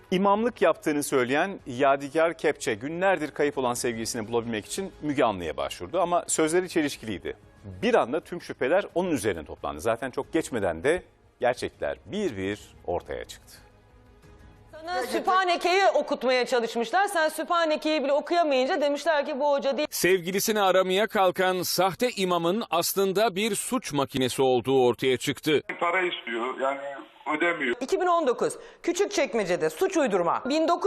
İmamlık yaptığını söyleyen Yadigar Kepçe günlerdir kayıp olan sevgilisini bulabilmek için Müge Anlı'ya başvurdu ama sözleri çelişkiliydi. Bir anda tüm şüpheler onun üzerine toplandı. Zaten çok geçmeden de gerçekler bir bir ortaya çıktı. Sana Sübhaneke'yi okutmaya çalışmışlar. Sen Sübhaneke'yi bile okuyamayınca demişler ki bu hoca değil. Sevgilisini aramaya kalkan sahte imamın aslında bir suç makinesi olduğu ortaya çıktı. Para istiyor, yani ödemiyor. 2019 Küçükçekmece'de suç uydurma.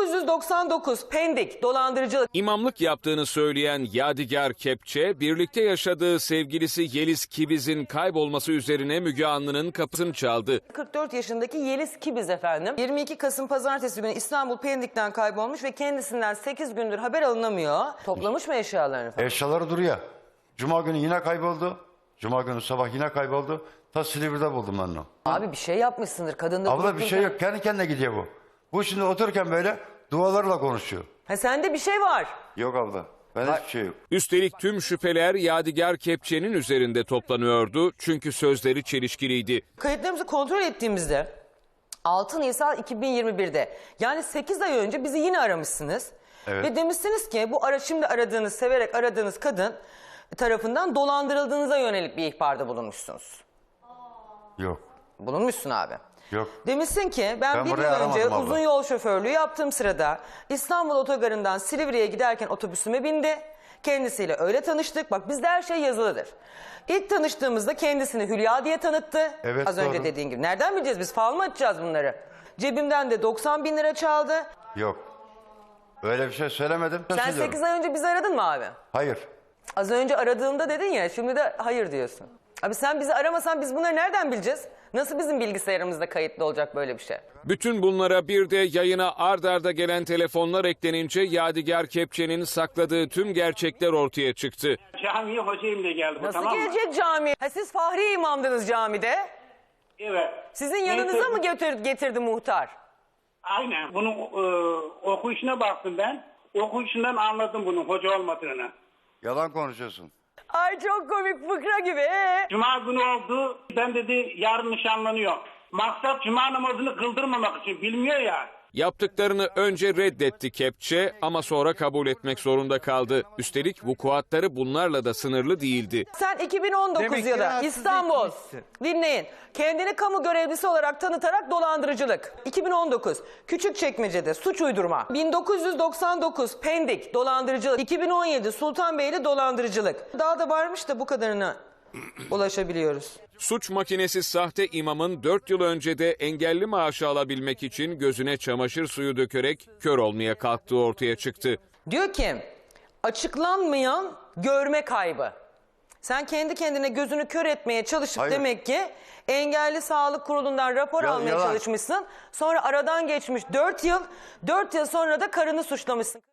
1999 Pendik dolandırıcılık. İmamlık yaptığını söyleyen Yadigar Kepçe, birlikte yaşadığı sevgilisi Yeliz Kibiz'in kaybolması üzerine Müge Anlı'nın kapısını çaldı. 44 yaşındaki Yeliz Kibiz efendim. 22 Kasım Pazartesi günü İstanbul Pendik'ten kaybolmuş ve kendisinden 8 gündür haber alınamıyor. Toplamış mı eşyalarını falan? Eşyaları duruyor. Cuma günü yine kayboldu. Cuma günü sabah yine kayboldu. Ta Silivri'de buldum ben onu. Abi bir şey yapmışsındır. Kadında Abla bir şey yok. Kendi kendine gidiyor bu. Bu şimdi otururken böyle dualarla konuşuyor. Ha sende bir şey var. Yok abla. Ben hiçbir şey yok. Üstelik tüm şüpheler Yadigar Kepçe'nin üzerinde toplanıyordu çünkü sözleri çelişkiliydi. Kayıtlarımızı kontrol ettiğimizde 6 Nisan 2021'de yani 8 ay önce bizi yine aramışsınız. Evet. Ve demişsiniz ki bu şimdi aradığınız, severek aradığınız kadın tarafından dolandırıldığınıza yönelik bir ihbarda bulunmuşsunuz. Yok. Bulunmuşsun abi. Yok. Demişsin ki ben bir yıl burayı önce aramadım abla. uzun yol şoförlüğü yaptığım sırada İstanbul Otogarı'ndan Silivri'ye giderken otobüsüme bindi. Kendisiyle öyle tanıştık. Bak bizde her şey yazılıdır. İlk tanıştığımızda kendisini Hülya diye tanıttı. Evet, Az önce doğru. dediğin gibi. Nereden bileceğiz biz? Fal mı açacağız bunları? Cebimden de 90 bin lira çaldı. Yok. Öyle bir şey söylemedim. Sen 8 ay önce bizi aradın mı abi? Hayır. Az önce aradığımda dedin ya, şimdi de hayır diyorsun. Abi sen bizi aramasan biz bunları nereden bileceğiz? Nasıl bizim bilgisayarımızda kayıtlı olacak böyle bir şey? Bütün bunlara bir de yayına ard arda gelen telefonlar eklenince Yadigar Kepçe'nin sakladığı tüm gerçekler ortaya çıktı. Camiye hocayım diye geldi bu, Nasıl tamam mı? gelecek cami? Ha siz Fahri imamdınız camide. Evet. Sizin yanınıza mı getirdi muhtar? Aynen. Bunun okuyuşuna baktım ben. Okuyuşundan anladım bunun hoca olmadığını. Yalan konuşuyorsun. Ay çok komik, fıkra gibi. Cuma günü oldu. Ben dedi yarın nişanlanıyor. Maksat cuma namazını kıldırmamak için, bilmiyor ya. Yaptıklarını önce reddetti Kepçe ama sonra kabul etmek zorunda kaldı. Üstelik vukuatları bunlarla da sınırlı değildi. Sen 2019 yılı İstanbul, dinleyin, kendini kamu görevlisi olarak tanıtarak dolandırıcılık. 2019 Küçükçekmece'de suç uydurma. 1999 Pendik dolandırıcılık. 2017 Sultanbeyli dolandırıcılık. Daha da varmış da bu kadarına ulaşabiliyoruz. Suç makinesi sahte imamın 4 yıl önce de engelli maaşı alabilmek için gözüne çamaşır suyu dökerek kör olmaya kalktığı ortaya çıktı. Diyor ki açıklanmayan görme kaybı. Sen kendi kendine gözünü kör etmeye çalışıp Hayır. demek ki engelli sağlık kurulundan rapor almaya yalan. çalışmışsın. Sonra aradan geçmiş 4 yıl sonra da karını suçlamışsın.